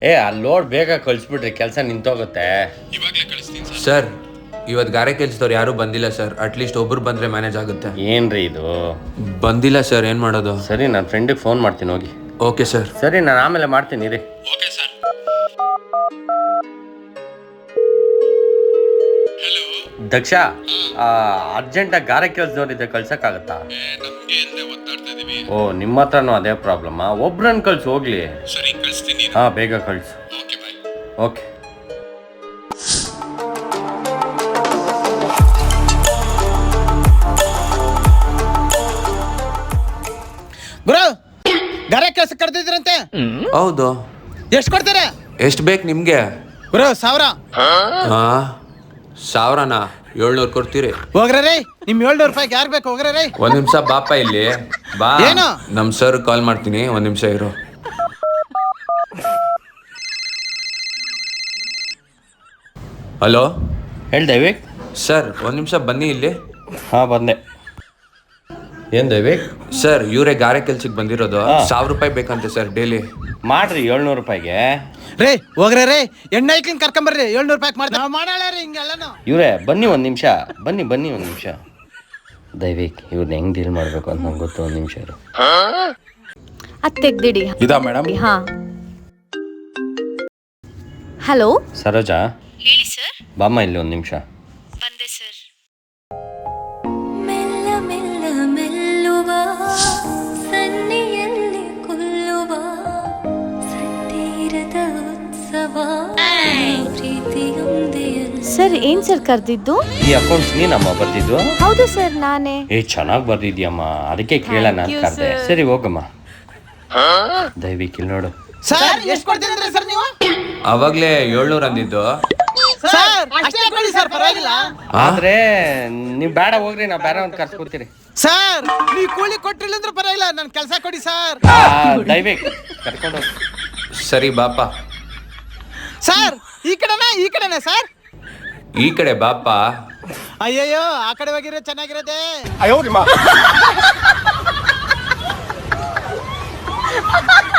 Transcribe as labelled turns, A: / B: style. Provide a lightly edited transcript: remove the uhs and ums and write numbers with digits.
A: ಅಲ್ಲಿ ಲೋಡ್ ಬೇಗ ಕಳಿಸ್ಬಿಟ್ರಿ, ಕೆಲಸ ನಿಂತೋಗುತ್ತೆ.
B: ಸರ್ ಇವತ್ತು ಗಾರೆ ಕೆಲ್ಸದವ್ರು ಯಾರು ಬಂದಿಲ್ಲ ಸರ್. ಅಟ್ಲೀಸ್ಟ್ ಒಬ್ರು ಬಂದ್ರೆ ಮ್ಯಾನೇಜ್ ಆಗುತ್ತೆ.
A: ಏನ್ರಿ ಇದು?
B: ಬಂದಿಲ್ಲ ಸರ್, ಏನ್ ಮಾಡೋದು?
A: ಸರಿ, ನನ್ನ ಫ್ರೆಂಡಿಗೆ ಫೋನ್ ಮಾಡ್ತೀನಿ, ಹೋಗಿ.
B: Okay sir.
A: ಸರಿ, ನಾನು ಆಮೇಲೆ ಮಾಡ್ತೀನಿ ರೀ.
B: Okay sir.
A: ದಕ್ಷ, ಅರ್ಜೆಂಟಾಗಿ ಗಾರೆ ಕೆಲಸದವ್ರಿದ್ದೆ, ಕಳ್ಸಕ್ಕಾಗತ್ತಾ? ಓ, ನಿಮ್ಮ ಹತ್ರನೂ ಅದೇ ಪ್ರಾಬ್ಲಮ್ಮಾ? ಒಬ್ರನ್ನ ಕಳ್ಸಿ ಹೋಗ್ಲಿ. ಹಾ, ಬೇಗ ಕಳ್ಸು. ಓಕೆ.
C: ಗುರು, ಗಾರೆ ಕೆಲಸ ಕರೆದಿದ್ರಂತೆ.
B: ಹೌದು.
C: ಎಷ್ಟು ಕೊಡ್ತೀರಾ?
B: ಎಷ್ಟು ಬೇಕು ನಿಮ್ಗೆ?
C: ಗುರು 1000.
B: 1000ನಾ? 700 ಕೊಡ್ತೀರಿ?
C: ಹೋಗ್ರಿ, ನಿಮ್ 700 ರೂಪಾಯಿಗೆ ಯಾರು ಬೇಕು? ಹೋಗ್ರಿ.
B: ಒಂದ್ ನಿಮಿಷ ಬಾಪ ಇಲ್ಲಿ ಬಾ.
C: ಏನು?
B: ನಮ್ ಸರ್ ಕಾಲ್ ಮಾಡ್ತೀನಿ, ಒಂದ್ ನಿಮಿಷ ಇರು. ಹಲೋ,
A: ಹೇಳಿ ದೈವಿಕ್.
B: ಸರ್ ಒಂದ್ ನಿಮಿಷ ಬನ್ನಿ ಇಲ್ಲಿ.
A: ಹಾ, ಬಂದೆ. ಏನ್ ದೈವಿಕ್?
B: ಸರ್ ಇವರೇ ಗಾರೆ ಕೆಲ್ಸಕ್ಕೆ ಬಂದಿರೋದು. 1000 ರೂಪಾಯಿ ಬೇಕಂತೆ ಸರ್ ಡೈಲಿ.
A: ಮಾಡ್ರಿ 700 ರೂಪಾಯಿಗೆ.
C: ರೇ ಹೋಗ್ರಿ, ಎಣ್ಣೆ ಐಕ್ಲಿಂಗ್ ಕರ್ಕೊಂಬರ್ರಿ. 700 ರೂಪಾಯಿ ಮಾಡ್ತಾ ಮಾಡಾಳ ರೀ ಹಿಂಗೆಲ್ಲನು.
A: ಇವ್ರೆ ಬನ್ನಿ, ಒಂದು ನಿಮಿಷ ಬನ್ನಿ ಒಂದು ನಿಮಿಷ. ದೈವಿಕ್, ಇವ್ರನ್ನ ಹೆಂಗ್ ಡೀಲ್ ಮಾಡ್ಬೇಕು ಅಂತ ನಂಗೆ ಗೊತ್ತು. ಒಂದು ನಿಮಿಷ ಇರು.
D: ಅದು ತೆಗ್ದಿಡಿ.
E: ಇದಾ ಮೇಡಮ್?
D: ಹಾ. ಹಲೋ
A: ಸರೋಜಾ,
D: ಹೇಳಿ ಸರ್.
A: ಬಾಮ್ಮ ಇಲ್ಲಿ ಒಂದು ನಿಮಿಷ.
D: ಬಂದೆ ಸರ್.
F: ಮೆಲ್ಲ ಮೆಲ್ಲ ಮೆಲ್ಲುವ ಸನ್ನಿಯಲ್ಲಿ ಕೊಲ್ಲುವ ಸತ್ತೀರದ ಉತ್ಸವ ಪ್ರೀತಿಯೊಂದೇ.
D: ಸರ್ ಏನ್ ಸರ್ ಕರೆದಿದ್ದು?
A: ಈ ಅಕೌಂಟ್ಸ್ ನೀನಮ್ಮ ಬರ್ದಿದ್ದು?
D: ಹೌದು ಸರ್, ನಾನೇ.
A: ಚೆನ್ನಾಗಿ ಬರ್ದಿದ್ಯಮ್ಮ, ಅದಕ್ಕೆ ಕೇಳೋಣ ಅಂತ ಕರೆದೆ. ಸರಿ ಹೋಗಮ್ಮ. ದೈವಿಕ್ ಇಲ್ಲಿ ನೋಡು.
C: ಸರ್ ಎಷ್ಟು ಕೊಡ್ತೀರಿ ಸರ್ ನೀವು?
B: ಅವಾಗ್ಲೇ 700 ಅಂದಿದ್ದು.
C: ಸರ್ ಅಷ್ಟೇ ಕೊಡಿ ಸರ್, ಪರವಾಗಿಲ್ಲ.
A: ಆದ್ರೆ ನೀವು ಬೇಡ ಹೋಗ್ರಿ, ನಾವು ಬೇರೆ ಒಂದು ಕರ್ಸ್ಕೊತೀರಿ.
C: ಸರ್ ನೀವು ಕೂಲಿ ಕೊಟ್ಟಿಲ್ಲ ಅಂದ್ರೆ ಪರವಾಗಿಲ್ಲ, ನನ್ ಕೆಲಸ ಕೊಡಿ ಸರ್.
A: ದೈವಿಕ್ ಕರ್ಕೊಂಡು ಹೋಗಿ.
B: ಸರಿ ಬಾಪ.
C: ಸರ್ ಈ ಕಡೆನಾ ಸರ್?
B: ಈ ಕಡೆ ಬಾಪ.
C: ಅಯ್ಯಯ್ಯೋ, ಆ ಕಡೆ ಹೋಗಿರೋ ಚೆನ್ನಾಗಿರೋದೆ.
E: ಅಯ್ಯೋ